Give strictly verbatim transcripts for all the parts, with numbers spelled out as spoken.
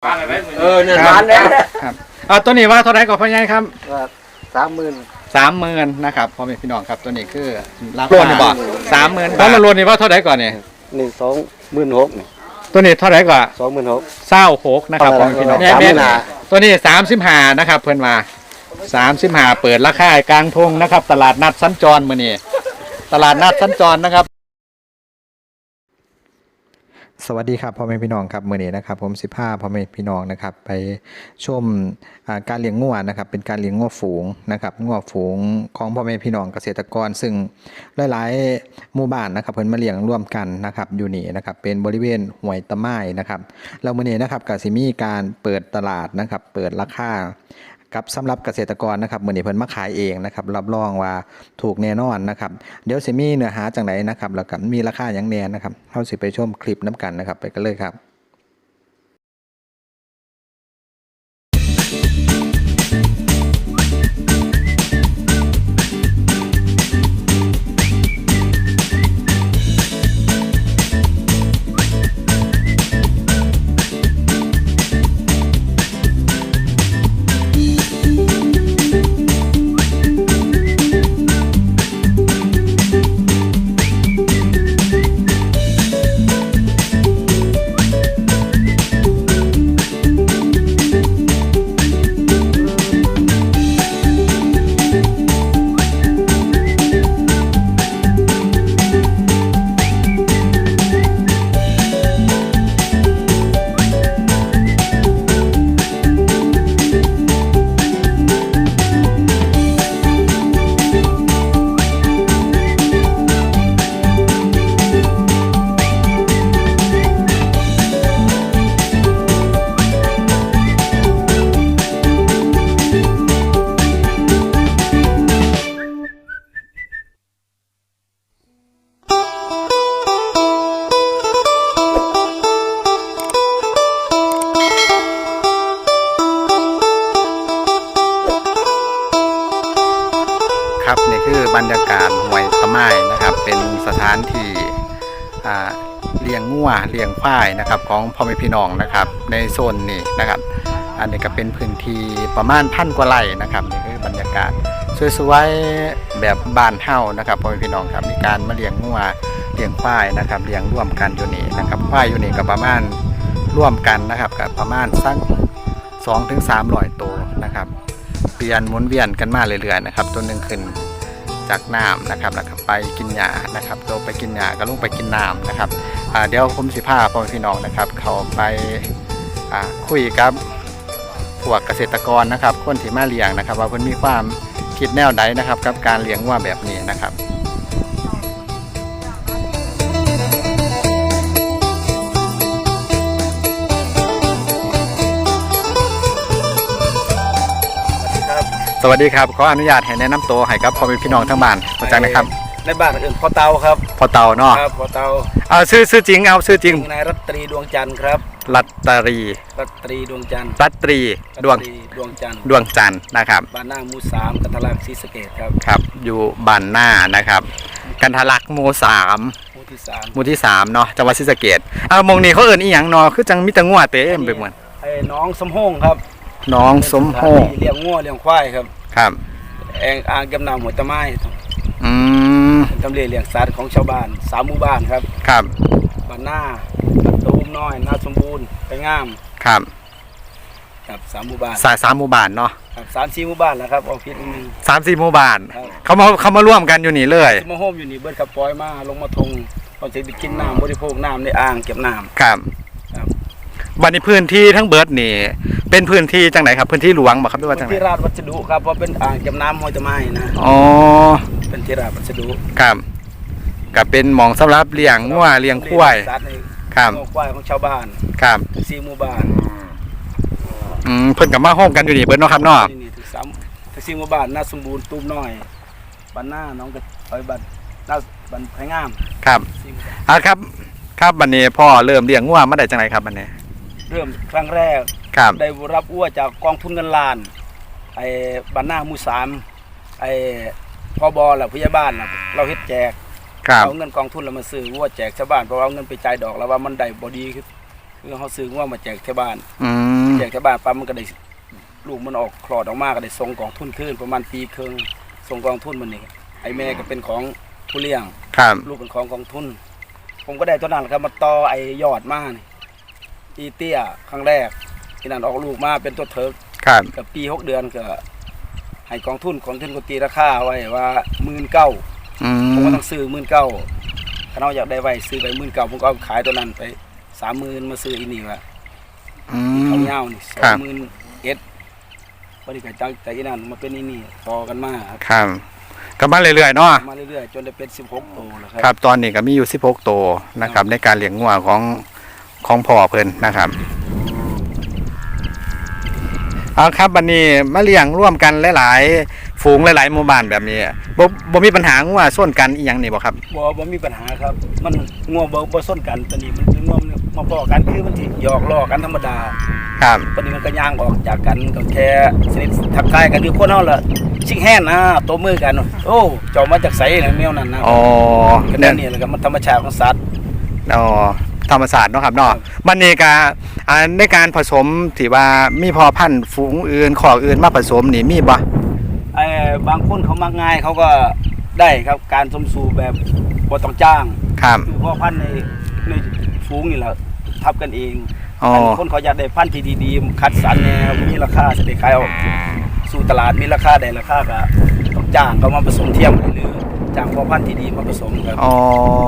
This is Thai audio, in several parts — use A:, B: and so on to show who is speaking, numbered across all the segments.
A: เออเนี่ยร้านแล้ว
B: ครับเอาตัวนี้ว่าเท่าไหร่ก่อนพ่อใหญ่ครับ
A: สามหมื่น
B: สามหมื่นนะครับพ่อแม่พี่น้องครับตัวนี้คือราคานี่บ่สามหมื่นบาทแล้วรวมนี่ว่าเท่าไหร่ก่อนเนี่ย
A: นี่สองหมื่นหกนี่
B: ตัวนี้เท่าไหร่ก่อน
A: สองหมื่นหก
B: เศร้าหกนะครับพ่อแม่พี่น้อง
A: สามหมื่นห้า
B: ตัวนี้สามสิบห้านะครับเพิ่นมาสามสิบห้าเปิดราคากลางทงนะครับตลาดนัดสัญจรมื้อนี้ตลาดนัดสัญจรนะครับสวัสดีครับพ่อแม่พี่น้องครับมื้อนี้นะครับผมสิบห้าพ่อแม่พี่น้องนะครับไปชมการเลี้ยงงัวนะครับเป็นการเลี้ยงงัวฝูงนะครับงัวฝูงของพ่อแม่พี่น้องเกษตรกรซึ่งหลายๆหมู่บ้านนะครับเพิ่นมาเลี้ยงร่วมกันนะครับอยู่นี่นะครับเป็นบริเวณห้วยตะไม้นะครับแล้วมื้อนี้นะครับก็สิมีการเปิดตลาดนะครับเปิดราคากับสำหรับเกษตรกรนะครับมื้อนี้เพิ่นมาขายเองนะครับรับรองว่าถูกแน่นอนนะครับเดี๋ยวสิมีเนื้อหาจังไดนะครับแล้วก็มีราคาหยังแน่นะครับเฮาสิไปชมคลิปนํกันนะครับไปกันเลยครับครับนี่คือบรรยากาศห้วยตะไม้นะครับเป็นสถานที่เลี้ยงงัวเลี้ยงควายนะครับของพ่อแม่พี่น้องนะครับในโซนนี้นะครับอันนี้ก็เป็นพื้นที่ประมาณพันกว่าไร่นะครับนี่คือบรรยากาศสวยๆแบบบ้านเฮานะครับพ่อแม่พี่น้องครับมีการมาเลี้ยงงัวเลี้ยงควายนะครับเลี้ยงร่วมกันอยู่นี่นะครับควายอยู่นี่ก็ประมาณร่วมกันนะครับกับประมาณสักสองถึงสามร้อยตัวนะครับเปลี่ยนหมุนเวียนกันมาเรื่อยๆนะครับตัวหนึ่งขึ้นจากน้ำนะครับแล้วก็ไปกินหญ้านะครับตัวไปกินหญ้าก็ลงไปกินน้ำนะครับเดี๋ยวผมสิพาพ่อแม่พี่น้องนะครับเขาไปคุยกับพวกเกษตรกรนะครับคนที่มาเลี้ยงนะครับว่าเพิ่นมีความคิดแนวใดนะครับกับการเลี้ยงวัวแบบนี้นะครับสวัสดีครับขออนุญาตให้แนะนำตัวให้กับพ่อแม่พี่น้องทั้งบ้านเข้าใจไหมครับ
A: ในบ้านอื่นพ่อเตาครับ
B: พ่อเตาเนาะ
A: ครับพ่อเตา
B: เอาชื่อชื่อจริงเอาชื่อจริง
A: นายรัตรีดวงจันทร์ครับ
B: รัตรี
A: รัตรีดวงจันทร์
B: รัตรีดวง
A: ดวงจันทร์
B: ดวงจันทร์นะครับ
A: บ้านหน้าหมู่สามกันทะลักศรีสะเกษครับ
B: ครับอยู่บ้านหน้านะครับกันทะลักหมู่สาม
A: หมู่ที่สาม
B: หมู่ที่สามเนาะจังหวัดศรีสะเกษเอามองนี่เขาเอิ้นอีหยังเนาะคือจังมีแต่งัวเต็มไปหมด
A: ไอ้น้องสมโฮงครับ
B: น้องสมโฮง
A: เลี้ยงงัวเลี้ยงควายครับ
B: ครับ
A: แองอ่างเก็บน้ำหัวตะไม้
B: อืม
A: ทำเลเลี้ยงสัตว์ของชาวบ้านสามหมู่บ้านครับ
B: ครับ
A: บ้านหน้าตูมน้อยนาสมบูรณ์ไปงาม
B: ครับ
A: ครับสามหมู่บ้าน
B: สายสามหมู่บ้านเนาะ
A: ครับสามสี่หมู่บ้านแล้วครับเอาพิษนึง
B: สามสี่หมู่บ้านเขามาเขามาร่วมกันอยู่นี่เลย
A: มาโฮมอยู่นี่เบิดขับปล่อยมาลงมาทงตอนจะไปกินน้ำบริโภคน้ำในอ่างเก็บน้ำ
B: ครับ
A: ครับ
B: วันนี้พื้นที่ทั้งเบิร์ดนี่เป็นพื้นที่จังไหนครับพื้นที่หลวงบ่ครับหรือว่าจังไหน
A: ที่ราชวัสดุครับเพราะเป็นอ่างเก็บน้ำห้วยตะไม้นะ
B: อ๋อ
A: เป็นที่ราชวัสดุ
B: ครับกับเป็นหมองสำหรับเลี้ยงงัวเลี้ยงควายครับ
A: ควายของชาวบ้าน
B: ครับ
A: สี่หมู่บ้าน
B: อืมเพิ่นกับมาโฮมกันอยู่นี่เบิร์ดเนาะครับเนาะ
A: นี่ถึงสามถึงสี่หมู่บ้านนาสมบูรณ์ตูมน้อยบ้านหน้าน้องกระไอ้บ้านนาบ้านไผ่งาม
B: ครับอ่ะครับครับวันนี้พ่อเริ่มเลี้ยงงัวมาได้จังไหนครับวันนี้
A: เริ่มครั้งแรกได้รับอ้วจากกองทุนเงินล้านไอ้บ้านหน้าหมู่สามไอ้พบแหละพยาบาลเราเฮ็ดแจกเอาเงินกองทุนเรามาซื้ออ้วแจกชาวบ้านเพราะเอาเงินไปจ่ายดอกแล้วว่ามันได้บ่ดีคือเรื่องเขาซื้อว่ามาแจกที่บ้าน
B: อืม
A: แจกที่บ้านปั๊บมันก็ได้ลูกมันออกคลอดออกมาก็ได้ส่งกองทุนขึ้นประมาณปีครึ่งส่งกองทุนมันนี่ไอ้แม่ก็เป็นของผู้เลี้ยง
B: ครับ
A: ลูกเป็นของกองทุนผมก็ได้ตัวนั้นครับมาต่อไอ้ยอดมานี่อีเตี้ยครั้งแรกที่นั่นออกลูกมาเป็นตัวเถิก
B: ครับ
A: กับปีหกเดือนก็ให้กองทุนกองทุนก็ตีราคาไว้ว่าหมื่นเก้า
B: อื
A: ผม
B: ม
A: ก็ต้องซื้อหมื่นเก้าถ้าเราอยากได้ไว้ซื้อไปหมื่นเก้าผมก็เอาขายตัวนั้นไปสามหมื่นมาซื้ออีนี่ว่า
B: อื
A: เขา
B: ม
A: เงานี่สอ
B: ครั
A: ง
B: บ
A: หมื่นเอ็ดพอดีกับจังจากอีนั่นมาเป็นอีนี่ต่อกันมาครับ
B: ครับก็มาเรื่อยๆเนาะ
A: มาเรื่อยๆจนได้เป็นสิบหกตัวแล้วค
B: ครั
A: รับ
B: ตอนนี้ก็มีอยู่สิบหกตัวนะครับในการเลี้ยงงัวของของพ่อเพิ่นนะครับเอาครับวันนี้มาเลี้ยงร่วมกันหลายๆฝูงหลายๆหมู่บ้านแบบนี้บ่บ่มีปัญหางัวส้นกันอีหยังนี่บ่ครับ
A: บ่บ่มีปัญหาครับ มันง่วงบ่บ่ส้นกันตอนนี้มันง่วงมาพอกันคือมันสิหยอกล้อกันธรรมดา
B: ครับ
A: ตอนนี้มันก็ย่างออกจากกันก็แค่สนิททักทายกันคือคนเฮาล่ะชิงแฮนนะตัวมือกัน โอ้เจ้ามาจากไสน่ะแมวนั่นนะ
B: อ๋อ
A: ก็
B: เนี่
A: นั่
B: ย
A: นนี่แหละครับมันธรรมชาติของสัตว์
B: อ๋อธรรมศาสตร์เนาะครับเนาะมันนี่ก็อ่าในการผสมที่ว่ามีพอพันธุ์ฝูงอื่นขอกอื่นมาผสมนี่มีบ่
A: ไอ้บางคนเขามักง่ายเขาก็ได้ครับการสมสู่แบบบ่ต้องจ้าง
B: ครับ
A: คือพ่อพันธุ์ในในฝูงนี่แหละทับกันเอง
B: อ๋อ
A: อันคนเขาอยากได้พันธุ์ที่ดีๆคัดสรรแนวมีราคาจะได้ขายออกสู่ตลาดมีราคาได้ราคาก็ต้องจ้างเขามาผสมเทียมหรือจ้างพ่อพันธุ์ที่ดีมาผสมครับ
B: อ๋อ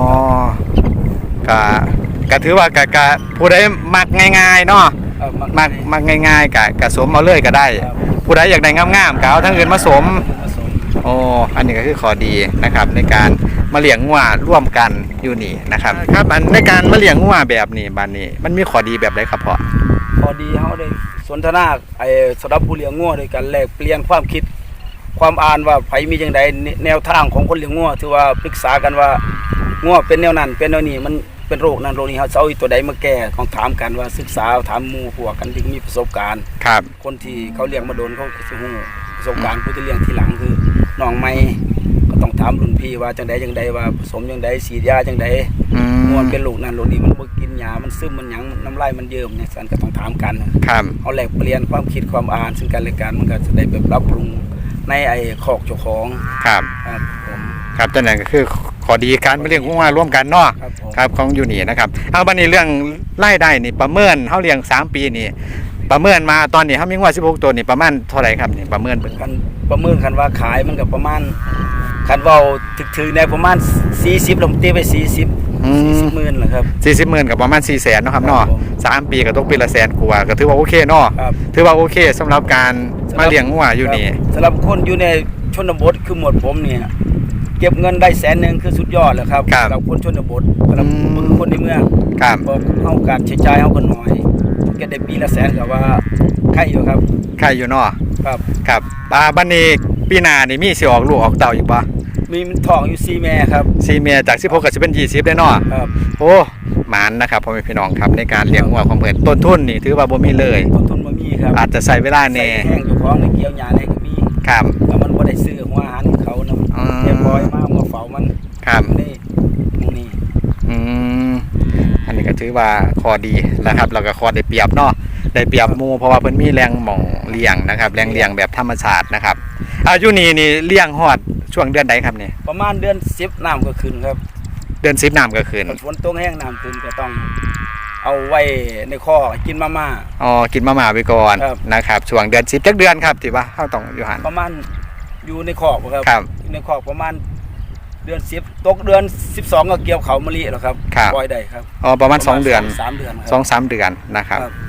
B: ก็ก็ถือว่าก็ก็ผู้ใดมักง่ายๆเนาะ
A: เอ่อ
B: มักมักง่ายๆก็ก็สวมเอาเลยก็ได้
A: ครับ
B: ผู้ใดอยากได้งามๆก็เอาทั้งอื่นมาสวม
A: ผสม
B: โอ้อันนี้ก็คือข้อดีนะครับในการมาเลี้ยงงัวร่วมกันอยู่นี่นะครับครับอันในการมาเลี้ยงงัวแบบนี้บ้านนี้มันมีข้อดีแบบใดครับพ่อ
A: พอดีเขาได้สนทนาไอ้สำหรับผู้เลี้ยงงัวด้วยกันแลกเปลี่ยนความคิดความอ่านว่าไผมีจังไดแนวทางของคนเลี้ยงงัวถือว่าปรึกษากันว่างัวเป็นแนวนั้นเป็นแนวนี้มันเป็นโรคนั้นโรคนี้เขาจะเอาอีตัวใดมาแก้ของถามกันว่าศึกษาถามหมู่พวกกันที่มีประสบการณ์
B: ครับ
A: คนที่เขาเลี้ยงมาโดนเขาจะฮู้ประสบการณ์ผู้ที่เลี้ยงทีหลังคือน้องใหม่ก็ต้องถามรุ่นพี่ว่าจังใดจังใดว่าผสมจังใดฉีดยาจังใด
B: อื
A: งัว
B: ม
A: เป็นโรคนั้นโรคนี้มันบ่กินยามันซึมมันหยังน้ำลายมันเยิ้มเนี่ยสันก็ต้องถามกัน
B: ครับ
A: เอาแลกเปลี่ยนความคิดความอ่านซึ่งกันและกันมันก็จะได้แบบปรับปรุงในไอ้คอกเจ้าของ
B: ครับ
A: ครับผม
B: ครับจังนั้นก็คือข้อดีการมาเลี้ยงงัวร่วมกันเนาะ
A: ครับผม
B: ครับของอยู่นี่นะครับเอาบัดนี้เรื่องรายได้นี่ประเมินเฮาเลี้ยงสามปีนี่ประเมินมาตอนนี้เฮามีงัวสิบหกตัวนี่ประมาณเท่าไหร่ครับนี่ประเมินเบิ่ง
A: กันประเมินกันว่าขายมันก็ประมาณคันเว้าถึกๆในประมาณสี่สิบลงตีไปสี่สิบ
B: อื
A: สี่สิ
B: ม
A: บหมื่นแหละครับ
B: สี่สิบหมื่นกับประมาณสี่แสนเนาะครับเนาะ
A: ครับผม
B: สามปีก็ตกปีละแสนกว่าก็ถือว่าโอเคเนาะ
A: ครับ
B: ถือว่าโอเคสำหรับการมาเลี้ยงงัวอยู่นี่
A: ครับสำหรับคนอยู่ในชนบทคือหมวดผมเนี่ยเก็บเงินได้แสนหนึงคือสุดยอดแล้วครับ
B: ครับ
A: สำหรับคนชนบทสำหรับ
B: อืม
A: คนในเมือง
B: ครับ
A: บอกเฮาการใช้จ่ายเฮาก็น้อยเก็บได้ปีละแสนก็ว่าใครอยู่ครับ
B: ใครอยู่เนาะ
A: ครับ
B: ครับอ่าบัดนี้ปีหน้านี่มีสิออกลูกออกเต้าอีกบ่
A: มีมันทองอยู่สี่แม่ครับ
B: สี่เมียจากสิบหกก็สิเป็นยี่สิบได้เนาะ
A: ครับ
B: โอ้หมานนะครับพ่อแม่พี่น้องครับในการเลี้ยงงัวของเพิ่นต้นทุนนี่ถือว่าบ่มีเลย
A: ต้นทุนบ่มีครับ
B: อาจจะใช้เวลาแน่
A: ใส่แห้งอยู่ของในเกี่ยวหญ้าในก็มี
B: ครับ
A: แต่มันบ่ได้ซื้อหัวอาหารเขานำ
B: อืม
A: เรียบร้อยมามาเฝ้ามัน
B: ครับ
A: นี่หมู่นี้
B: อืมอันนี้ก็ถือว่าข้อดีนะครับแล้วก็ข้อได้เปรียบเนาะได้เปรียบหมู่เพราะว่าเพิ่นมีแรงหม่องเลี้ยงนะครับแรงเลี้ยงแบบธรรมชาตินะครับอายุนี่นี่เลี้ยงฮอดช่วงเดือนใดครับนี่
A: ประมาณเดือนสิบน้ำก็ขึ้นครับ
B: เดือนสิบน้ำก็ขึ้น
A: ฝนตกแห้งน้ำขึ้นก็ต้องเอาไว้ในคอกกินมาม่า
B: อ๋อกินมาม่าไปก่อน
A: ครับ
B: นะครับช่วงเดือนสิบจักเดือนครับที่ว่าเฮาต้องอยู่หัน
A: ประมาณอยู่ในคอกครับ
B: ครับ
A: อยู่ในคอกประมาณเดือนสิบตกเดือนสิบสองก็เกี่ยวเขามะลิแล้วครับ
B: ครับ
A: ปล่อยได้ครับ
B: อ๋อประมาณสองเดือน
A: สามเดือนครับ
B: สองสามเดือนนะครับ
A: ครับ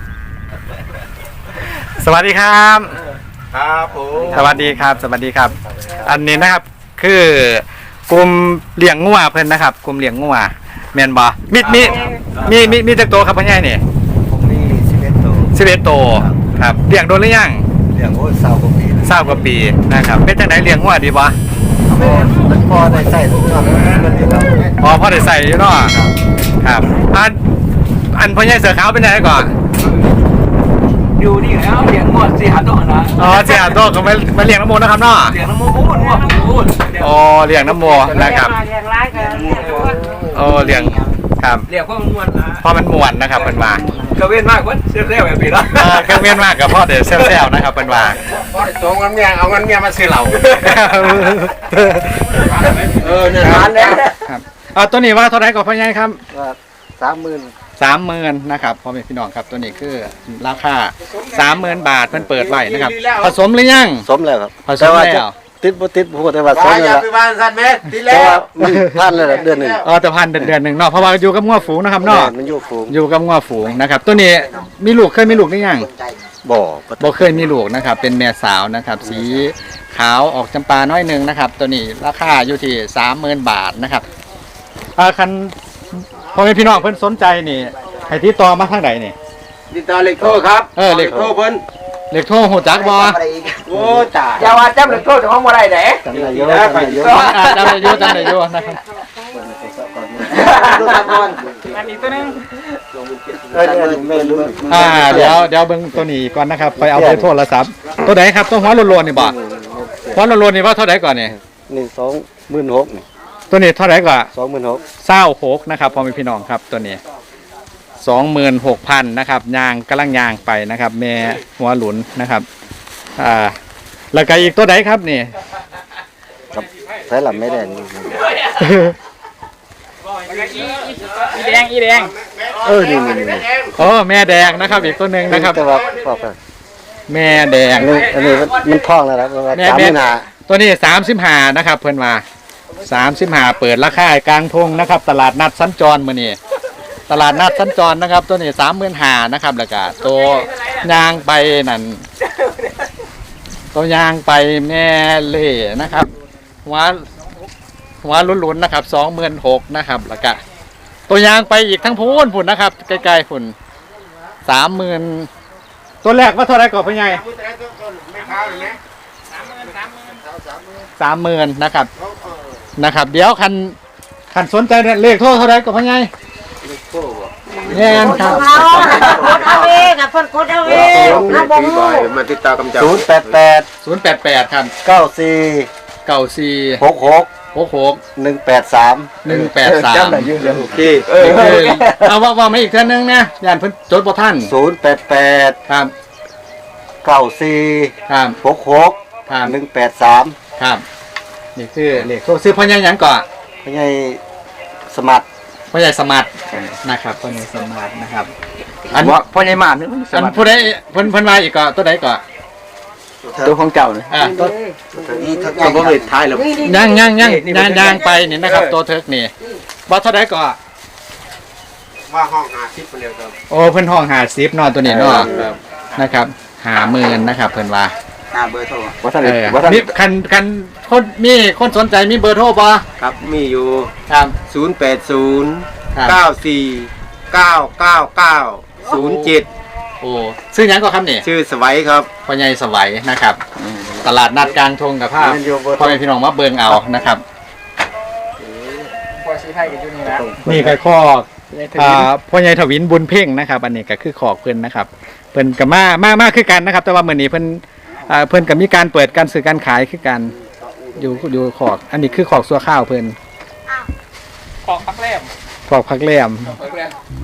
B: สวัสดีครับ
A: ครับผม
B: สวัสดีครับ สวัสดีครับ อันนี้นะครับคือกลุ่มเลี้ยงงัวเพิ่นนะครับกลุ่มเลี้ยงงัวแม่นบ่มีมีมีมีมีจักโตวครับพ่อใหญ่นี่
C: ผมมีสิบเอ็ดตัว
B: สิบเอ็ดโตวครับเลี้ยงโดนหรือยัง
C: เลี้ยงโอ้ยสาวกว่าปีแล้ว
B: ทราบกว่าปีนะครับเป็นจังไดเลี้ยงงัวดีบ่
C: พอมันพอได้ใส่ทุกอย่างมันอยู่แล้ว
B: อ๋อพอได้ใส่อยู่เนาะครับอันอันพ่อใหญ่เสือขาวเป็นจังไดก่อน
D: อยู่นี่แล้วเลี้ยงงวดสี่หันตัวนะ
B: อ๋อเสียโตวก็มามาเลี้ยงน้ำมูนะครับเนาะ
D: เลี้ยงน้ำมูกพูดงวดพูด
B: อ๋อเลี้ยงน้ำมูนะครับ
E: เลี้ยงร้ายกันเลี้ยง
B: โอ้เลี้ยงครับ
D: เลี้ยงเพราะมันงวดนะ
B: พอมันม่วนนะครับเพิ่นว่า
D: กระเว้นมากวะเซลล์แบบนี้เนาะ
B: เออเครื่องเวียนมากกับพ่อเดี๋ยวเซลล์นะครับเป็นว่า
C: ตรงกันเมียเอาเงินเมียมาซื้อเหล้าเออเนี่ยร้านแล้ว
B: ครับเอาตัวนี้ว่าเท่าไหร่ก่อนพ่อใหญ่ครับ
C: สามหมื่น
B: สามหมื่นนะครับพ่อแม่พี่น้องครับตัวนี้คือราคาสามหมื่นบาทเพิ่นเปิดไว้นะครับผสมหรือยัง
C: สมแล้วครับ
B: ผสมแล้ว
C: ติดบ่ติดพูดแต่ว่าสมแล้วล่ะบ้านสัตว์แม่ติดแล้วมันพลาดเลยเดือนหนึ่ง
B: เออแต่พันเดือนเดือนหนึ่งเนาะเพราะว่าอยู่กับงัวฝูงนะครับเนาะ
C: มันอยู่ฝูง
B: อยู่กับงัวฝูงนะครับตัวนี้มีลูกเคยมีลูกหรือยัง
C: บ่อ
B: บ่เคยมีลูกนะครับเป็นแม่สาวนะครับ สีขาวออกจำปาน้อยหนึ่งนะครับ ตัวนี้ราคาอยู่ที่สามหมื่นบาทนะครับอ่าคันพ่อแม่พี่น้องเพิ่นสนใจนี่ให้ติดต่อมาทางใดนี่
C: ติดต่อเลขโทรครับ
B: เออเลข
C: โทรเพิ่น
B: เลขโทรหูจักบ่
C: โอ้ตาย
D: อย่าว่าจำเลยโทษของบ่ได้เด้
C: จำได้เยอะจำได้เยอะ
B: อ่าจำได้อยู่จำได้อยู่นะครับ
D: อันนี้ตัวนึง
C: เออไม่รู้
B: อ่าเดี๋ยวเดี๋ยวเบิ่งตัวนี้ก่อนนะครับไปเอาเบอร์โทรศัพท์ตัวไหนครับตัวหัวโลนๆนี่บ่หัวโลนๆนี่ว่าเท่าไหร่ก่อนนี่
C: นี่สองหมื่นหก
B: ตัวนี้เท่าไหร่ก่อน
C: สองหมื่นหก
B: เศร้าหกนะครับพ่อแม่พี่น้องครับตัวนี้สองหมื่นหกพันนะครับยางกำลังยางไปนะครับ แม่หัวหลุนนะครับอ่าแล้วก็อีกตัวไหนครับนี่
C: ใช้หลับไม่ได้นี่
D: อีแดงอีแดง
C: เออนี่นี่นี่
B: โอ้แม่แดงนะครับ อีกตัวหนึ่งนะครับ
C: แต่ว่าพอไป
B: แม่แดง
C: อันนี้อันนี้มันท่องแล้วนะว่า
B: แม่
C: สามห
B: แม่
C: มื่นห้า
B: ตัวนี้สามสิบห้านะครับ เพื่อนมาสามสิบห้าเปิดราคากลางทงนะครับ ตลาดนัดสัญจรมื้อนี้ตลาดนัดสัญจรนะครับ ตัวนี้สามหมื่นห้านะครับแล้วก็ตัวยางไปนั่นตัวยางไปแม่เล่นะครับหัวหัวลุ้นๆนะครับสองหมื่นหกนะครับแล้วก็ตัวยางไปอีกทั้งพูนพุ่นนะครับใกล้ๆพุ่นสามหมื่นตัวแรกว่าเท่าไหรก่อนพ่อใหญ่สามหมื่นนะครับนะครับ เดี๋ยวคันคันสนใจเนี่ยเลขโทรเท่าไหรก่อนพ่อใหญ่แน่นครับ
E: กดเอาเองอ่ะเพิ่นกดเอาเองนะบ่ฮู้
C: มาติดต่อกำจัดศูนย์แปดแปด
B: ศูนย์แปดแปดครับ
C: เก้าสี่
B: เก้าสี่
C: หกหก
B: หกหก
C: หนึ่งแปดสาม
B: หนึ่งแปดสาม
C: จำได้ยืนเดียวโอเค
B: นี่คือเอาว่าว่ามาอีกเท่านึงนะยานเพิ่นจดบ่ท่าน
C: ศูนย์แปดแปด
B: ครับ
C: เก้าสี่
B: ครับ
C: หกหก
B: ครับ
C: หนึ่งแปดสาม
B: ครับนี่คือเลขโทรซื้อพ่อใหญ่หยังก่อน
C: ไม่ใช่สมัคร
B: พ่อใหญ่สมาร์ทนะครับพ่อใหญ่สมาร์ทนะครับอัน
D: ว่าพ่อใหญ่มานึง
B: อันผู้ใดเพิ่นเพิ่นมาอีกก็ตัวใดก่อน
D: ตัวของเจ้าเนี่ย
B: อ่าตัว
C: นี่ถ้าตัวผมเลยท้ายแล้ว
B: ย่างย่างย่างย่างย่างไปนี่นะครับ ตัวเทิร์กนี่บ่เท่าใดก่อน
C: ว่าห้องหาทิพย์ไปเร็วครับ
B: โอ้เพิ่นห้องห้าสิบเนาะตัวนี้เนาะนะครับห้าหมื่นนะครับเพิ่นว่า
C: หาเบอร์โทร
D: ว่าท่าน
B: เออ
D: ว่าท่าน
B: มีคันคันคนมีคนสนใจมีเบอร์โทรบ่
C: ครับมีอยู่
B: ครับ
C: ศูนย์แปดศูนย์
B: ครับ
C: เก้าสี่เก้าเก้าเก้าศูนย์เจ็ด
B: โอ้ซื้อหยังก็ครับนี่
C: ชื่อสวัยครับ
B: พ่อใหญ่สวัยนะครับ ตลาดนัดกลางทงกับภาพพ่อแม่พี่น้องมาเบิ่งเอานะครับ
D: พ่อชี้ให้กันอยู่นี่นะ
B: นี่ก็ข้ออ่าพ่อใหญ่ถวินบุญเพ่งนะครับ อันนี้ก็คือขอกเพิ่นนะครับเพิ่นก็มามามาคือกันนะครับ แต่ว่ามื้อนี้เพิ่นอ่าเพิ่นก็มีการเปิดการซื้อการขายคือกันอยู่อยู่ขอก อันนี้คือขอกซัวข้าวเพิ่น
D: ขอพักแรม
B: ขอกพักแรม
D: พักแรม